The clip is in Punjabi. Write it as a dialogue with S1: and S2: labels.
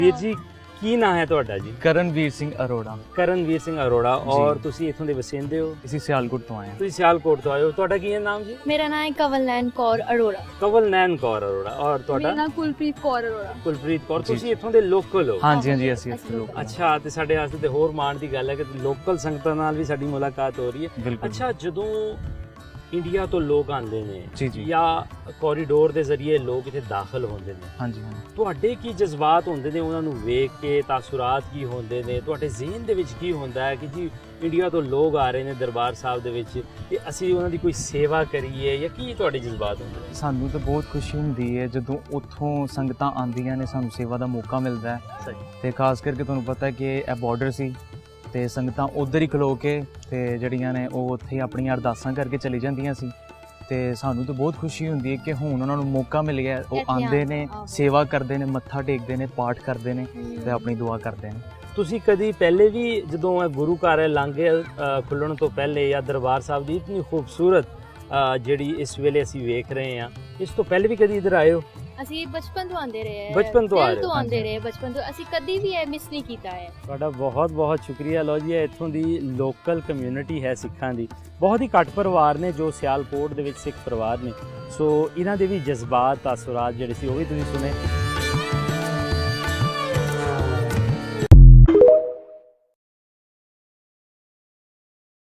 S1: ਵੀਰ ਜੀ ਕੀ ਨਾਂ ਹੈ ਤੁਹਾਡਾ ਜੀ?
S2: ਕਰਨਵੀਰ ਸਿੰਘ ਅਰੋੜਾ।
S1: ਕਰਨਵੀਰ ਸਿੰਘ ਅਰੋੜਾ।
S2: ਜੀ।
S1: ਔਰ ਤੁਸੀਂ ਇੱਥੋਂ ਦੇ ਵਸਿੰਦੇ ਹੋ?
S2: ਅਸੀਂ ਸਿਆਲਕੋਟ ਤੋਂ ਆਏ ਹਾਂ।
S1: ਤੁਸੀਂ ਸਿਆਲਕੋਟ ਤੋਂ ਆਏ ਹੋ। ਤੁਹਾਡਾ ਕੀ ਹੈ ਨਾਮ ਜੀ?
S3: ਮੇਰਾ ਨਾਮ ਹੈ ਕਵਲਨੈਨ ਕੌਰ ਅਰੋੜਾ।
S1: ਕਵਲਨੈਨ ਕੌਰ ਅਰੋੜਾ। ਔਰ
S3: ਮੇਰਾ
S1: ਤੁਹਾਡਾ?
S3: ਨਾਮ ਕੁਲਪ੍ਰੀਤ ਕੌਰ ਅਰੋੜਾ।
S1: ਕੁਲਪ੍ਰੀਤ ਕੌਰ।
S2: ਜੀ।
S1: ਤੁਸੀਂ ਇੱਥੋਂ ਦੇ ਲੋਕਲ ਹੋ?
S2: ਹਾਂਜੀ ਹਾਂਜੀ ਅਸੀਂ ਇੱਥੇ ਲੋਕ
S1: ਅੱਛਾ, ਤੇ ਸਾਡੇ ਵਾਸਤੇ ਤੇ ਹੋਰ ਮਾਣ ਦੀ ਗੱਲ ਹੈ ਕਿ ਲੋਕਲ ਸੰਗਤਾਂ ਨਾਲ ਵੀ ਸਾਡੀ ਮੁਲਾਕਾਤ ਹੋ ਰਹੀ ਹੈ।
S2: ਬਿਲਕੁਲ।
S1: ਅੱਛਾ, ਜਦੋਂ ਇੰਡੀਆ ਤੋਂ ਲੋਕ ਆਉਂਦੇ ਨੇ
S2: ਜੀ ਜੀ
S1: ਜਾਂ ਕੋਰੀਡੋਰ ਦੇ ਜ਼ਰੀਏ ਲੋਕ ਇੱਥੇ ਦਾਖਲ ਹੁੰਦੇ ਨੇ,
S2: ਹਾਂਜੀ ਹਾਂਜੀ।
S1: ਤੁਹਾਡੇ ਕੀ ਜਜ਼ਬਾਤ ਹੁੰਦੇ ਨੇ ਉਹਨਾਂ ਨੂੰ ਵੇਖ ਕੇ? ਤਾਸੁਰਾਤ ਕੀ ਹੁੰਦੇ ਨੇ ਤੁਹਾਡੇ ਜ਼ਿਹਨ ਦੇ ਵਿੱਚ? ਕੀ ਹੁੰਦਾ ਹੈ ਕਿ ਜੀ ਇੰਡੀਆ ਤੋਂ ਲੋਕ ਆ ਰਹੇ ਨੇ ਦਰਬਾਰ ਸਾਹਿਬ ਦੇ ਵਿੱਚ ਤੇ ਅਸੀਂ ਉਹਨਾਂ ਦੀ ਕੋਈ ਸੇਵਾ ਕਰੀਏ, ਜਾਂ ਕੀ ਤੁਹਾਡੇ ਜਜ਼ਬਾਤ ਹੁੰਦੇ ਨੇ?
S2: ਸਾਨੂੰ ਤਾਂ ਬਹੁਤ ਖੁਸ਼ੀ ਹੁੰਦੀ ਹੈ ਜਦੋਂ ਉੱਥੋਂ ਸੰਗਤਾਂ ਆਉਂਦੀਆਂ ਨੇ, ਸਾਨੂੰ ਸੇਵਾ ਦਾ ਮੌਕਾ ਮਿਲਦਾ ਹੈ।
S1: ਸਹੀ।
S2: ਤੇ ਖਾਸ ਕਰਕੇ ਤੁਹਾਨੂੰ ਪਤਾ ਹੈ ਕਿ ਇਹ ਬਾਰਡਰ ਸੀ ਤੇ ਸੰਗਤਾਂ ਉੱਧਰ ਹੀ ਖਲੋ ਕੇ ਤੇ ਜਿਹੜੀਆਂ ਨੇ ਉਹ ਉੱਥੇ ਆਪਣੀਆਂ ਅਰਦਾਸਾਂ ਕਰਕੇ ਚਲੀ ਜਾਂਦੀਆਂ ਸੀ। ਤੇ ਸਾਨੂੰ ਤਾਂ ਬਹੁਤ ਖੁਸ਼ੀ ਹੁੰਦੀ ਹੈ ਕਿ ਹੁਣ ਉਹਨਾਂ ਨੂੰ ਮੌਕਾ ਮਿਲ ਗਿਆ, ਉਹ
S3: ਇੱਥੇ
S2: ਆਉਂਦੇ ਨੇ,
S3: ਆਹੋ।
S2: ਸੇਵਾ ਕਰਦੇ ਨੇ, ਮੱਥਾ ਟੇਕਦੇ ਨੇ, ਪਾਠ ਕਰਦੇ ਨੇ ਤੇ ਆਪਣੀ ਦੁਆ ਕਰਦੇ ਨੇ।
S1: ਤੁਸੀਂ ਕਦੀ ਪਹਿਲੇ ਵੀ ਜਦੋਂ ਇਹ ਗੁਰੂ ਘਰ ਹੈ ਲਾਂਘੇ ਖੁੱਲਣ ਤੋਂ ਪਹਿਲੇ, ਜਾਂ ਦਰਬਾਰ ਸਾਹਿਬ ਦੀ ਇਤਨੀ ਖੂਬਸੂਰਤ ਜਿਹੜੀ ਇਸ ਵੇਲੇ ਅਸੀਂ ਵੇਖ ਰਹੇ ਹਾਂ, ਇਸ ਤੋਂ ਪਹਿਲੇ ਵੀ ਕਦੀ ਇੱਧਰ ਆਏ ਹੋ?
S3: ਅਸੀਂ ਬਚਪਨ ਤੋਂ ਆਉਂਦੇ ਰਹੇ ਹਾਂ।
S1: ਬਚਪਨ ਤੋਂ ਆ
S3: ਦਿਲ
S1: ਰਹੇ ਹੋ?
S3: ਤੋਂ ਆਉਂਦੇ ਰਹੇ ਬਚਪਨ ਤੋਂ, ਅਸੀਂ ਕਦੀ ਵੀ ਇਹ ਮਿਸ ਨਹੀਂ ਕੀਤਾ ਹੈ।
S1: ਤੁਹਾਡਾ ਬਹੁਤ ਬਹੁਤ ਸ਼ੁਕਰੀਆ। ਲਓ ਜੀ, ਇਹ ਇੱਥੋਂ ਦੀ ਲੋਕਲ ਕਮਿਊਨਿਟੀ ਹੈ ਸਿੱਖਾਂ ਦੀ। ਬਹੁਤ ਹੀ ਘੱਟ ਪਰਿਵਾਰ ਨੇ ਜੋ ਸਿਆਲਕੋਟ ਦੇ ਵਿੱਚ ਸਿੱਖ ਪਰਿਵਾਰ ਨੇ। ਸੋ ਇਹਨਾਂ ਦੇ ਵੀ ਜਜ਼ਬਾਤ ਤਾਸੁਰਾਤ ਜਿਹੜੇ ਸੀ ਉਹ ਵੀ ਤੁਸੀਂ ਸੁਣੇ।